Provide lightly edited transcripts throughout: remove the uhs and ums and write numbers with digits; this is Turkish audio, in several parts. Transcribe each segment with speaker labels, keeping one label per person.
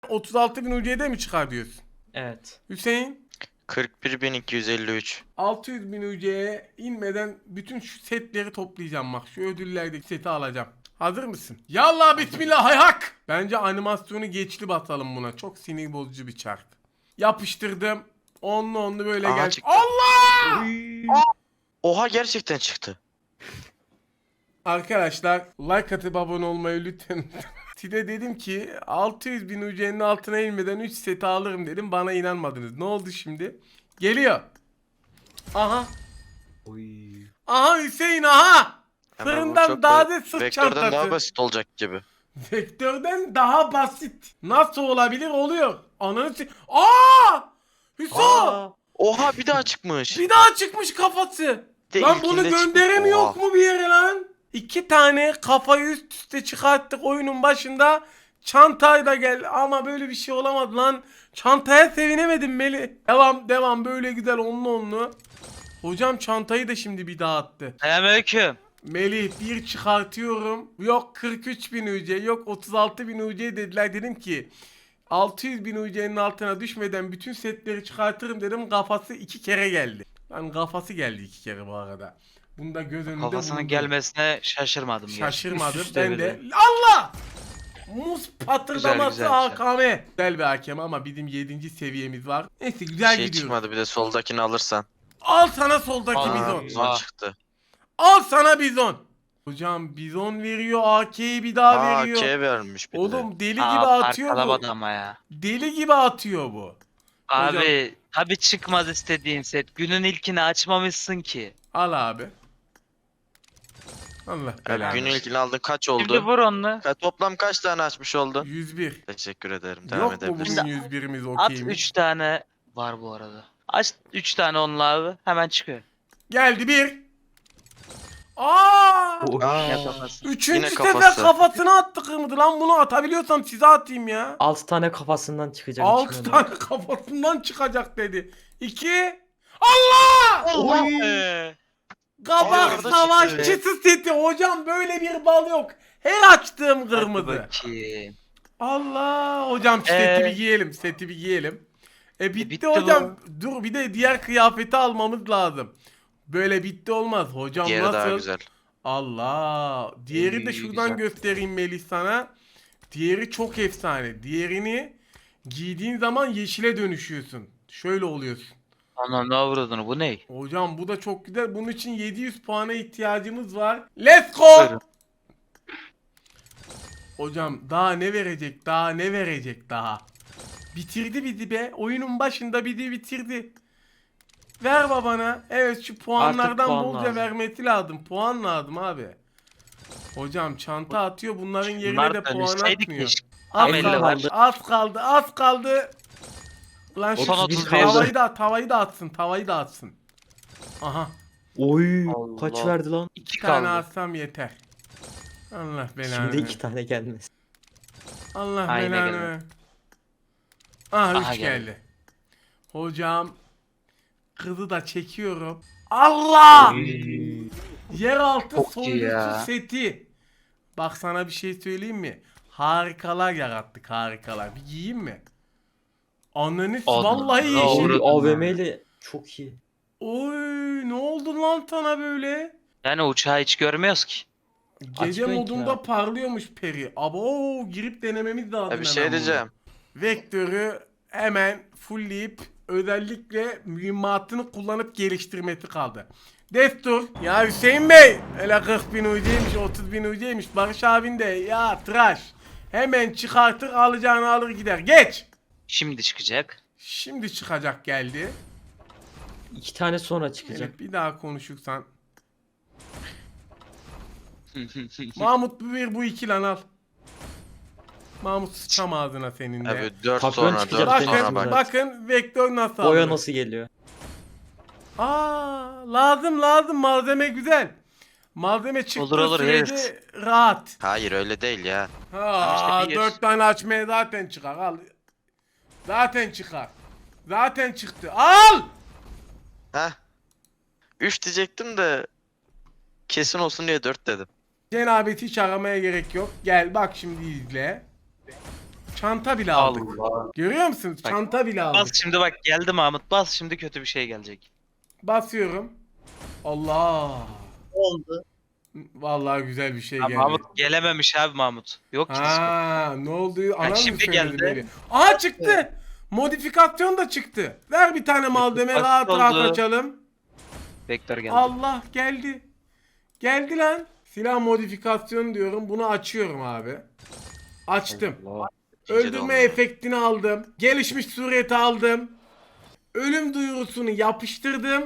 Speaker 1: 36.000 UC'de mi çıkar diyorsun?
Speaker 2: Evet.
Speaker 1: Hüseyin?
Speaker 3: 41.253.
Speaker 1: 600.000 UC'ye inmeden bütün şu setleri toplayacağım bak. Şu ödüllerdeki seti alacağım. Hazır mısın? Yallah bismillah hayhak. Bence animasyonu geçli basalım buna. Çok sinir bozucu bir çark. Yapıştırdım. Onlu böyle
Speaker 3: Aha,
Speaker 1: gel.
Speaker 3: çıktı.
Speaker 1: Allah!
Speaker 3: Oha, gerçekten çıktı.
Speaker 1: Arkadaşlar like atıp abone olmayı lütfen. Size dedim ki 600.000 UC'nin altına inmeden 3 seti alırım dedim. Bana inanmadınız. Ne oldu şimdi? Geliyor. Aha. Aha Hüseyin aha.
Speaker 3: Hemen bu
Speaker 1: Fırından
Speaker 3: çok
Speaker 1: daha da sırt
Speaker 3: Vektörden
Speaker 1: çantası.
Speaker 3: daha basit olacak gibi.
Speaker 1: Vektörden daha basit. Nasıl olabilir? Oluyor. Ananı Aa! Hüso!
Speaker 3: Oha, bir daha çıkmış.
Speaker 1: Bir daha çıkmış kafası.
Speaker 3: De
Speaker 1: Lan bunu
Speaker 3: ilkinde
Speaker 1: gönderemiyor
Speaker 3: çıkmış.
Speaker 1: mu bir yere lan? 2 tane kafayı üst üste çıkarttık oyunun başında. Çantayı da gel ama böyle bir şey olamadı lan. Çantaya sevinemedim Meli. Devam böyle güzel onlu. Hocam çantayı da şimdi bir daha attı.
Speaker 2: Selamünaleyküm.
Speaker 1: Melih bir çıkartıyorum. Yok 43.000 UC, yok 36.000 UC dediler. Dedim ki 600.000 UC'nin altına düşmeden bütün setleri çıkartırım dedim. Kafası 2 kere geldi. Lan kafası geldi 2 kere bu arada. Bunu da göz önünde
Speaker 2: Kafasının
Speaker 1: bulundurun.
Speaker 2: gelmesine şaşırmadım.
Speaker 1: Şaşırmadım.
Speaker 2: Üst üste
Speaker 1: Ben
Speaker 2: bir
Speaker 1: de. Allah! Muz patırdaması
Speaker 2: Güzel, güzel.
Speaker 1: AKM. Güzel bir hakem ama bizim 7. seviyemiz var. Neyse
Speaker 3: Bir
Speaker 1: güzel
Speaker 3: şey
Speaker 1: gidiyoruz.
Speaker 3: çıkmadı, bir de soldakini alırsan.
Speaker 1: Al sana soldaki
Speaker 2: Aa,
Speaker 1: bizon.
Speaker 3: Zon çıktı.
Speaker 1: Al sana bizon. Hocam bizon veriyor, AK'yi bir daha veriyor.
Speaker 3: AK vermiş bir de.
Speaker 1: Oğlum deli gibi
Speaker 2: Aa,
Speaker 1: atıyor bu.
Speaker 2: parkalamadı ama ya.
Speaker 1: Deli gibi atıyor bu.
Speaker 2: Abi tabi çıkmaz istediğin set. Günün ilkini açmamışsın ki.
Speaker 1: Al abi. Allah
Speaker 3: Abi,
Speaker 1: belanı.
Speaker 3: günün ilkini aldın, kaç
Speaker 2: Şimdi
Speaker 3: oldu?
Speaker 2: vur onu.
Speaker 3: Toplam kaç tane açmış oldun?
Speaker 1: 101.
Speaker 3: Teşekkür ederim. Devam
Speaker 1: Yok mu
Speaker 3: edebilirsin.
Speaker 1: bugün 101'imiz
Speaker 2: At
Speaker 1: okeymiş?
Speaker 2: 3 tane var bu arada. Aç 3 tane onunla abi. Hemen çıkıyor.
Speaker 1: Geldi bir. Aa!
Speaker 2: Yapamazsın.
Speaker 1: Üçüncü
Speaker 3: Yine
Speaker 1: sefer
Speaker 3: kafası.
Speaker 1: kafasına attı kırmızı. Lan bunu atabiliyorsam size atayım ya.
Speaker 4: 6 tane kafasından çıkacak.
Speaker 1: 6
Speaker 4: içinden.
Speaker 1: tane kafasından çıkacak dedi. 2. Allah!
Speaker 2: Allah be.
Speaker 1: Kabak
Speaker 3: Orada
Speaker 1: savaşçısı seti. Hocam böyle bir bal yok. Her açtığım
Speaker 2: Hadi
Speaker 1: kırmızı.
Speaker 2: bakayım.
Speaker 1: Allah hocam şu seti bir giyelim. Seti bir giyelim. Bitti
Speaker 2: bitti
Speaker 1: hocam. Dur bir de diğer kıyafeti almamız lazım. Böyle bitti olmaz. Hocam
Speaker 3: Diğeri
Speaker 1: nasıl?
Speaker 3: daha güzel.
Speaker 1: Allah. Diğeri de şuradan
Speaker 2: güzel.
Speaker 1: göstereyim Melih sana. Diğeri çok efsane. Diğerini giydiğin zaman yeşile dönüşüyorsun. Şöyle oluyorsun.
Speaker 2: Ana ne avradını, bu ne?
Speaker 1: Hocam bu da çok güzel. Bunun için 700 puana ihtiyacımız var. Let's go.
Speaker 2: Buyurun.
Speaker 1: Hocam daha ne verecek? Daha ne verecek daha? Bitirdi bizi be. Oyunun başında bizi bitirdi. Ver babana. Evet şu puanlardan
Speaker 4: puan
Speaker 1: bolca
Speaker 4: lazım.
Speaker 1: vermesi lazım. Puan lazım abi. Hocam çanta atıyor. Bunların yerine
Speaker 2: Bunlar
Speaker 1: de puan
Speaker 2: dönüşseydi
Speaker 1: atmıyor.
Speaker 2: keşke.
Speaker 1: Az
Speaker 2: Tam 50
Speaker 1: kaldı,
Speaker 2: var.
Speaker 1: az kaldı, az kaldı. Lan şu
Speaker 2: Son
Speaker 4: 31
Speaker 1: tavayı da atsın, tavayı da atsın. Aha,
Speaker 4: Oy
Speaker 2: Allah.
Speaker 4: kaç verdi lan?
Speaker 2: 2
Speaker 1: bir tane
Speaker 2: kaldı.
Speaker 1: atsam yeter. Allah belanı.
Speaker 4: Şimdi
Speaker 1: ver.
Speaker 4: 2 tane gelmez.
Speaker 1: Allah
Speaker 2: Aynen
Speaker 1: belanı.
Speaker 2: geldi.
Speaker 1: ver. Aha 3
Speaker 2: Aha,
Speaker 1: geldi.
Speaker 2: geldi.
Speaker 1: Hocam kızı da çekiyorum. Allah! Yeraltı
Speaker 2: Çok iyi
Speaker 1: soylusu
Speaker 2: ya.
Speaker 1: seti. Bak sana bir şey söyleyeyim mi? Harikalar yarattık, harikalar. Bir giyeyim mi? Ananı
Speaker 2: Oldu.
Speaker 1: vallahi
Speaker 2: Ne
Speaker 1: yeşil.
Speaker 2: oldu?
Speaker 4: AVM ile çok iyi.
Speaker 1: Oy ne oldu lan sana böyle?
Speaker 2: Yani uçağı hiç görmüyoruz ki.
Speaker 1: Gece
Speaker 4: Açmayın ki
Speaker 1: modunda
Speaker 4: ya.
Speaker 1: parlıyormuş peri. Abo girip denememiz lazım.
Speaker 3: Ya bir
Speaker 1: hemen
Speaker 3: şey
Speaker 1: bunu.
Speaker 3: diyeceğim.
Speaker 1: Vektörü hemen fullleyip özellikle mühimmatını kullanıp geliştirmesi kaldı. Destur. Ya Hüseyin Bey. Hele 40.000 UC'ymiş 30.000 UC'ymiş. Barış abin de ya tıraş. Hemen çıkartır alacağını alır gider. Geç.
Speaker 2: Şimdi çıkacak.
Speaker 1: Şimdi çıkacak geldi.
Speaker 4: 2 tane sonra çıkacak.
Speaker 1: Evet, bir daha konuşursan. Mahmut bu iki lan al. Mahmut sıçam ağzına senin de.
Speaker 3: Abi 4
Speaker 4: Patron
Speaker 3: sonra, 4
Speaker 4: çıkacak
Speaker 3: sonra
Speaker 4: demiştim
Speaker 3: bak.
Speaker 4: zaten.
Speaker 1: Bakın vektör nasıl
Speaker 4: Boya
Speaker 1: alınır.
Speaker 4: nasıl geliyor?
Speaker 1: Aa, lazım malzeme güzel. Malzeme çıktığı
Speaker 2: Olur,
Speaker 1: sürece
Speaker 2: evet.
Speaker 1: rahat.
Speaker 3: Hayır, öyle değil ya.
Speaker 1: Ha,
Speaker 2: işte bir
Speaker 1: 4 tane açmaya zaten çıkar al. Zaten çıkar. Zaten çıktı. Al!
Speaker 3: Heh. 3 diyecektim de kesin olsun diye 4 dedim.
Speaker 1: Cenabet hiç aramaya gerek yok. Gel bak şimdi izle. Çanta bile aldık.
Speaker 2: Allah.
Speaker 1: Görüyor musun?
Speaker 2: Bak,
Speaker 1: Çanta bile
Speaker 2: Bas
Speaker 1: aldık.
Speaker 2: şimdi bak geldi Mahmut. Bas şimdi kötü bir şey gelecek.
Speaker 1: Basıyorum. Allah.
Speaker 4: Oldu.
Speaker 1: Vallahi güzel bir şey
Speaker 2: Ha,
Speaker 1: geldi.
Speaker 2: Mahmut gelememiş abi Mahmut. Yok ki Discord.
Speaker 1: Ha, ne oldu? Anam mı
Speaker 2: şimdi
Speaker 1: söyledi
Speaker 2: geldi.
Speaker 1: beni? Aa çıktı. Modifikasyon da çıktı. Ver bir tane malzeme rahat
Speaker 2: Oldu.
Speaker 1: rahat açalım.
Speaker 2: Vektör geldi.
Speaker 1: Allah geldi. Geldi lan. Silah modifikasyonu diyorum. Bunu açıyorum abi. Açtım.
Speaker 4: Allah.
Speaker 1: Öldürme
Speaker 3: oldu.
Speaker 1: efektini aldım. Gelişmiş sureti aldım. Ölüm duyurusunu yapıştırdım.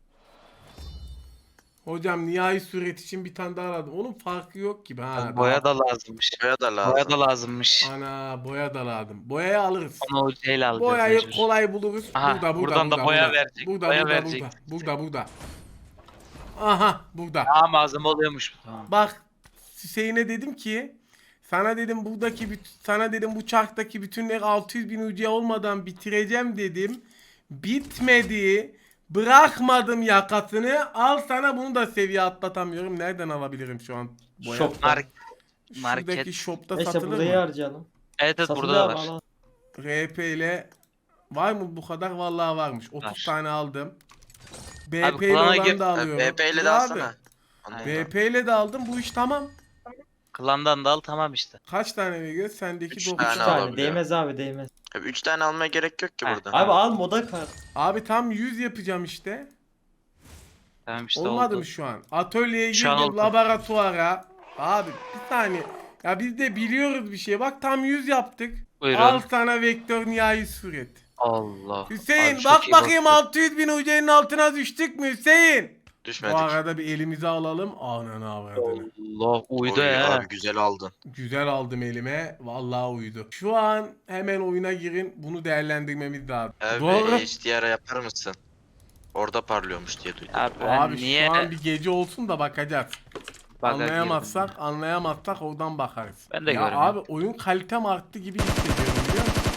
Speaker 1: Hocam nihai suret için bir tane daha aldım. Onun farkı yok gibi ha.
Speaker 2: Boya da lazımmış.
Speaker 3: Boya da lazım.
Speaker 2: Boya da lazımmış.
Speaker 1: Ana boya da lazım. Boyayı alırız.
Speaker 2: Onu o şeyle alacağız.
Speaker 1: Boyayı
Speaker 2: mecbur.
Speaker 1: kolay buluruz.
Speaker 2: Aha, buradan da boya verecek.
Speaker 1: Burada,
Speaker 2: Boya
Speaker 1: burada,
Speaker 2: verecek.
Speaker 1: burada. Aha, burada.
Speaker 2: Daha malzeme oluyormuş. Tamam.
Speaker 1: Bak, Hüseyin'e dedim ki, sana dedim sana dedim bu çarktaki bütünleri 600.000 UC olmadan bitireceğim dedim. Bitmedi. Bırakmadım yakasını. Al sana, bunu da seviye atlatamıyorum. Nereden alabilirim şu an boya?
Speaker 4: Shop'tan.
Speaker 2: Mark.
Speaker 1: Şuradaki
Speaker 2: market.
Speaker 1: shop'ta
Speaker 4: Neyse
Speaker 1: satılır
Speaker 4: burayı
Speaker 1: mı?
Speaker 4: harcayalım.
Speaker 2: Evet evet
Speaker 4: Satılıyor
Speaker 2: burada da
Speaker 4: abi,
Speaker 2: var.
Speaker 4: al.
Speaker 1: RP ile var mı bu kadar? Vallahi varmış. 30
Speaker 2: Var.
Speaker 1: tane aldım.
Speaker 2: Abi,
Speaker 1: BP ile
Speaker 2: klana
Speaker 1: olan
Speaker 2: gir.
Speaker 1: da alıyorum.
Speaker 3: BP ile
Speaker 1: Dur
Speaker 3: de
Speaker 1: abi.
Speaker 3: alsana. Ondan da.
Speaker 1: BP ile de aldım. Bu iş tamam.
Speaker 2: Klandan da al tamam işte.
Speaker 1: Kaç tane veriyor? Sendeki
Speaker 3: Üç
Speaker 1: 9
Speaker 3: tane
Speaker 4: Bir
Speaker 1: tane.
Speaker 4: tane
Speaker 3: alabiliyor.
Speaker 4: değmez abi değmez.
Speaker 3: Abi 3 tane almaya gerek yok ki
Speaker 2: Ha.
Speaker 3: burada.
Speaker 4: Abi al moda kart.
Speaker 1: Abi tam 100 yapacağım işte.
Speaker 2: Tamam işte
Speaker 1: Olmadı
Speaker 2: oldu.
Speaker 1: mı şu an? Atölyeye
Speaker 2: Şu an
Speaker 1: girdim,
Speaker 2: oldu.
Speaker 1: laboratuvara. Abi bir saniye. Ya biz de biliyoruz bir şey. Bak tam 100 yaptık.
Speaker 2: Buyurun.
Speaker 1: Al sana vektör nihai suret.
Speaker 2: Allah.
Speaker 1: Hüseyin
Speaker 2: Abi çok
Speaker 1: bak
Speaker 2: iyi
Speaker 1: bakayım
Speaker 2: baktın.
Speaker 1: 600.000 UC'nin altına düştük mü Hüseyin?
Speaker 3: Düşmedik.
Speaker 1: Bu arada bir elimize alalım. Ananı avradını.
Speaker 2: Allah uydu
Speaker 3: Oy,
Speaker 2: ya.
Speaker 3: Abi güzel aldın.
Speaker 1: Güzel aldım elime. Vallahi uydu. Şu an hemen oyuna girin. Bunu değerlendirmemiz lazım.
Speaker 3: Abi
Speaker 1: Doğru.
Speaker 3: HDR yapar mısın? Orada parlıyormuş diye duydum.
Speaker 2: Abi, ben
Speaker 1: Abi
Speaker 2: niye
Speaker 1: şu an bir gece olsun da bakacağız.
Speaker 2: baga
Speaker 1: Anlayamazsak oradan bakarız.
Speaker 2: Ben de
Speaker 1: ya
Speaker 2: görmüyorum.
Speaker 1: abi oyun kalitem arttı gibi hissediyorum biliyor musun?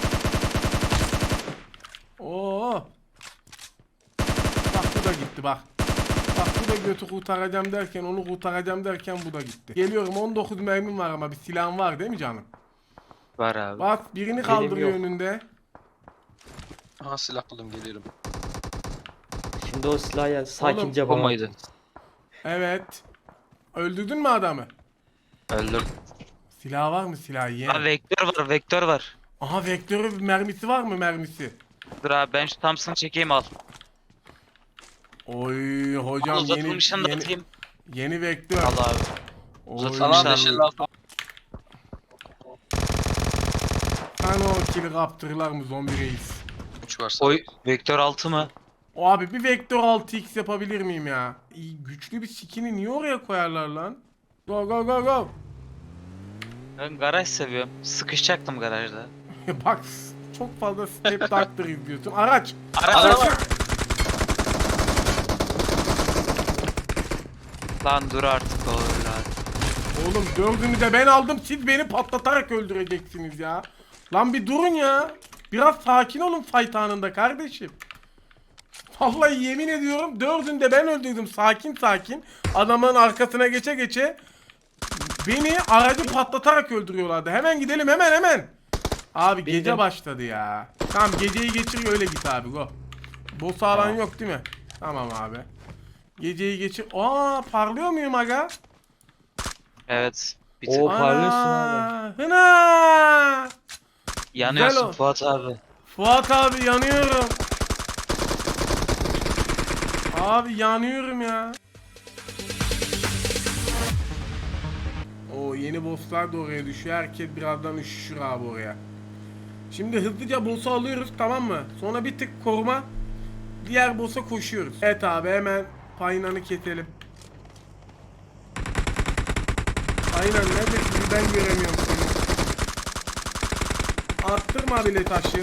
Speaker 1: Oo. Bak bu da gitti bak. Bak bu da götü kurtaracağım derken, onu kurtaracağım derken bu da gitti. Geliyorum, 19 mermim var ama bir silahım var değil mi canım?
Speaker 2: Var abi.
Speaker 1: Bak birini kaldırıyor
Speaker 4: yok.
Speaker 1: önünde.
Speaker 5: Aha silah buldum geliyorum.
Speaker 4: Şimdi o silahı ya sakince
Speaker 2: O
Speaker 4: bana.
Speaker 2: muydu?
Speaker 1: Evet. Öldürdün mü adamı?
Speaker 2: Öldüm.
Speaker 1: Silah var mı silah
Speaker 2: Ha
Speaker 1: yeğen?
Speaker 2: vektör var vektör var.
Speaker 1: Aha vektörü mermisi var mı mermisi?
Speaker 2: Dur abi ben şu Thompson'ı çekeyim al.
Speaker 1: Oy hocam
Speaker 2: Al
Speaker 1: yeni,
Speaker 2: uzatılmışını da
Speaker 1: yeni,
Speaker 2: atayım.
Speaker 1: yeni vektör.
Speaker 2: Al abi.
Speaker 1: Oy.
Speaker 2: Uzatılmış
Speaker 5: Tamam
Speaker 2: Tamam.
Speaker 5: yeşil al.
Speaker 1: Sana o kili kaptırırlar mı zombi reis?
Speaker 5: 3 varsa.
Speaker 2: Oy vektör 6 mı?
Speaker 1: O abi bir vektör 6x yapabilir miyim ya? İyi, güçlü bir skin'i niye oraya koyarlar lan? Go go go go.
Speaker 2: Ben garaj seviyorum. Sıkışacaktım garajda.
Speaker 1: Bak çok fazla Step Doctor izliyorsun. Araç.
Speaker 2: Araba. Lan dur artık oğlum lan.
Speaker 1: Oğlum dördünü de ben aldım. Siz beni patlatarak öldüreceksiniz ya. Lan bir durun ya. Biraz sakin olun fight anında kardeşim. Vallahi yemin ediyorum dördünü de ben öldürdüm sakin sakin. Adamın arkasına geçe geçe beni aracı patlatarak öldürüyorlardı. Hemen gidelim hemen. Abi gece
Speaker 4: Bildim.
Speaker 1: başladı ya. Tamam geceyi geçir öyle git abi go. Boss alan
Speaker 4: Tamam.
Speaker 1: yok değil mi? Tamam abi. Geceyi geçir. Aa parlıyor muyum aga?
Speaker 2: Evet. Bir
Speaker 4: Oo.
Speaker 2: tık
Speaker 4: parlıyorsun
Speaker 1: Ana, hına.
Speaker 2: yanıyorsun
Speaker 1: o.
Speaker 2: Fuat abi.
Speaker 1: Fuat abi yanıyorum. Abi yanıyorum ya. O yeni bosslar da oraya düşüyor. Herkes birazdan üşüşür abi oraya. Şimdi hızlıca boss'u alıyoruz tamam mı? Sonra bir tık koruma. Diğer boss'a koşuyoruz. Evet abi hemen Paynan'ı keselim. Aynen neredesin ben göremiyorum seni. Arttırma bile taşı.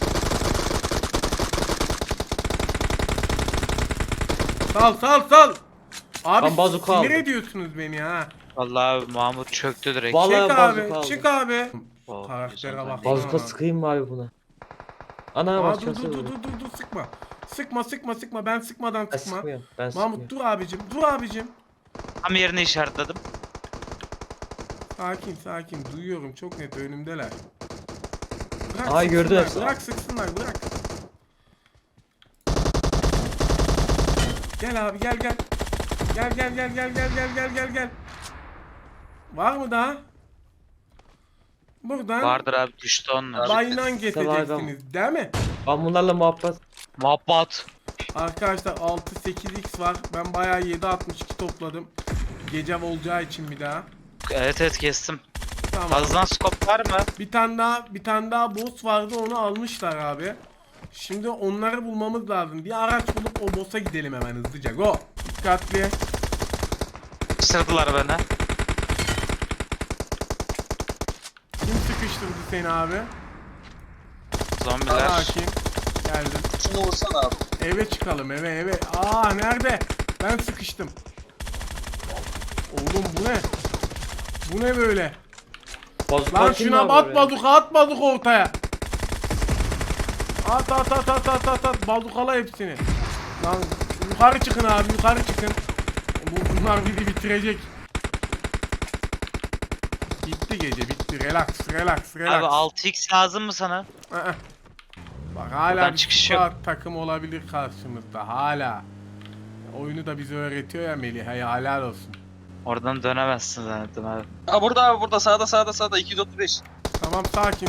Speaker 1: Sal. Abi
Speaker 4: Ben bazuka
Speaker 1: sinir
Speaker 4: aldım.
Speaker 1: ediyorsunuz beni ha.
Speaker 2: Vallahi abi Mahmut çöktü direkt.
Speaker 4: Vallahi
Speaker 1: Çık
Speaker 4: bazuka
Speaker 1: abi,
Speaker 4: aldım.
Speaker 1: çık abi.
Speaker 2: Oh,
Speaker 1: Karaktere
Speaker 2: güzel.
Speaker 1: bak.
Speaker 4: Bazuka sıkayım mı abi buna? Ana
Speaker 1: Aa,
Speaker 4: başkası
Speaker 1: dur
Speaker 4: vurdu.
Speaker 1: sıkma. Sıkma ben sıkmadan
Speaker 4: Ben
Speaker 1: sıkma.
Speaker 4: sıkmıyorum. Ben
Speaker 1: Mahmut
Speaker 4: sıkmıyorum.
Speaker 1: dur abicim.
Speaker 2: Tam yerini işaretledim.
Speaker 1: Sakin duyuyorum çok net önümdeler. Bırak
Speaker 4: Ay, gördü
Speaker 1: sıksınlar,
Speaker 4: hepsi.
Speaker 1: bırak sıksınlar, bırak. Gel abi, gel gel. Gel gel gel gel gel gel gel gel gel. Var mı daha? Buradan
Speaker 2: Vardır abi, düştü onlar.
Speaker 1: bayınan
Speaker 4: Tabii
Speaker 1: geçeceksiniz değil mi?
Speaker 4: Ben bunlarla muhabbet.
Speaker 2: Muhabbat.
Speaker 1: Arkadaşlar 6-8x var. Ben bayağı 7.62 topladım. Gece olacağı için bir daha.
Speaker 2: Evet kestim.
Speaker 1: Tamam.
Speaker 2: Fazladan skop var mı?
Speaker 1: Bir tane daha boss vardı, onu almışlar abi. Şimdi onları bulmamız lazım. Bir araç bulup o boss'a gidelim hemen hızlıca. Go. Dikkatli.
Speaker 2: Sırdılar beni.
Speaker 1: Kim sıkıştırdı seni abi?
Speaker 2: Zombiler.
Speaker 1: Sakin. Geldim.
Speaker 5: Şunu vursana abi.
Speaker 1: Eve çıkalım, eve. Aa, nerede? Ben sıkıştım. Oğlum bu ne? Bu ne böyle?
Speaker 4: Bazuka
Speaker 1: Lan
Speaker 4: kim
Speaker 1: şuna
Speaker 4: var oraya?
Speaker 1: atmadık ortaya. At. Bazukala hepsini. Lan yukarı çıkın abi, yukarı çıkın. Bunlar bizi bitirecek. Bitti gece, bitti. Relax.
Speaker 2: Abi 6x lazım mı sana?
Speaker 1: Aa. Bak hala
Speaker 2: Buradan
Speaker 1: bir
Speaker 2: çıkış
Speaker 1: squad takım olabilir karşımızda, hala. Oyunu da bize öğretiyor ya Melih, hey, helal olsun.
Speaker 2: Oradan dönemezsin zannettim abi.
Speaker 5: Ha burada abi, burada sağda 235.
Speaker 1: Tamam, sakin.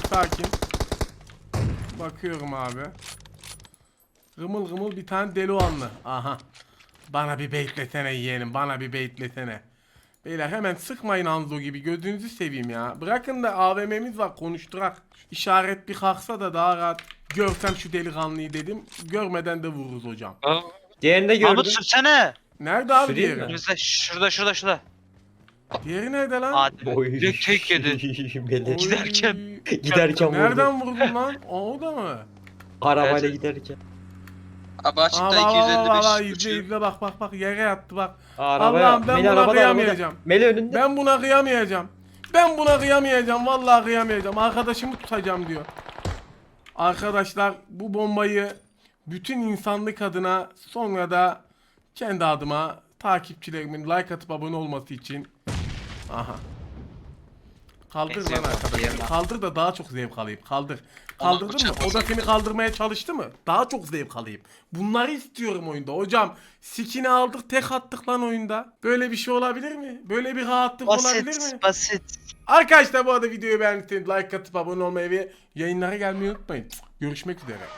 Speaker 1: Bakıyorum abi. Gımıl bir tane Deluanlı. Aha. Bana bir baitlesene yeğenim, bana bir baitlesene. Beyler hemen sıkmayın Hanzo gibi, gözünüzü seveyim ya. Bırakın da AVM'miz var, konuşturak. İşaret bir kalksa da daha rahat görsem şu delikanlıyı dedim. Görmeden de vururuz hocam.
Speaker 4: Diğerini de
Speaker 2: Mahmut
Speaker 4: gördüm.
Speaker 2: sürsene.
Speaker 1: Nerede abi
Speaker 4: Süreyim
Speaker 1: diğeri?
Speaker 4: mi?
Speaker 2: Önümüzde şurada.
Speaker 1: Diğeri nerede lan?
Speaker 2: Hadi.
Speaker 4: Oy.
Speaker 2: Direkt tek yedin.
Speaker 4: Melih.
Speaker 1: Oy.
Speaker 4: Giderken vurdu.
Speaker 1: Nereden vurdun lan? O da mı?
Speaker 4: Arabayla
Speaker 5: Evet.
Speaker 4: giderken.
Speaker 5: Abi açıkta
Speaker 1: Aa,
Speaker 5: 255.
Speaker 1: izle bak yere yattı bak.
Speaker 4: Arabaya.
Speaker 1: Allah'ım, ben
Speaker 4: Melih
Speaker 1: buna
Speaker 4: arabada,
Speaker 1: kıyamayacağım.
Speaker 4: arabada. Melih önünde.
Speaker 1: Ben buna kıyamayacağım. Vallahi kıyamayacağım. Arkadaşımı tutacağım diyor. Arkadaşlar, bu bombayı bütün insanlık adına, sonra da kendi adıma, takipçilerimin like atıp abone olması için. Aha. Kaldır
Speaker 2: Neyse,
Speaker 1: lan
Speaker 2: yok,
Speaker 1: arkadaşım.
Speaker 2: diyelim.
Speaker 1: Kaldır da daha çok zevk alayım. Kaldır.
Speaker 5: Ama
Speaker 1: Kaldırdın mı?
Speaker 5: bıçak
Speaker 1: O da
Speaker 5: olsa-
Speaker 1: seni kaldırmaya çalıştı mı? Daha çok zevk alayım. Bunları istiyorum oyunda. Hocam, skin'i aldık, tek attık lan oyunda. Böyle bir şey olabilir mi? Böyle bir rahatlık olabilir mi?
Speaker 2: Basit.
Speaker 1: Arkadaşlar, bu arada videoyu beğendiyseniz like atıp abone olmayı ve yayınlara gelmeyi unutmayın. Görüşmek üzere.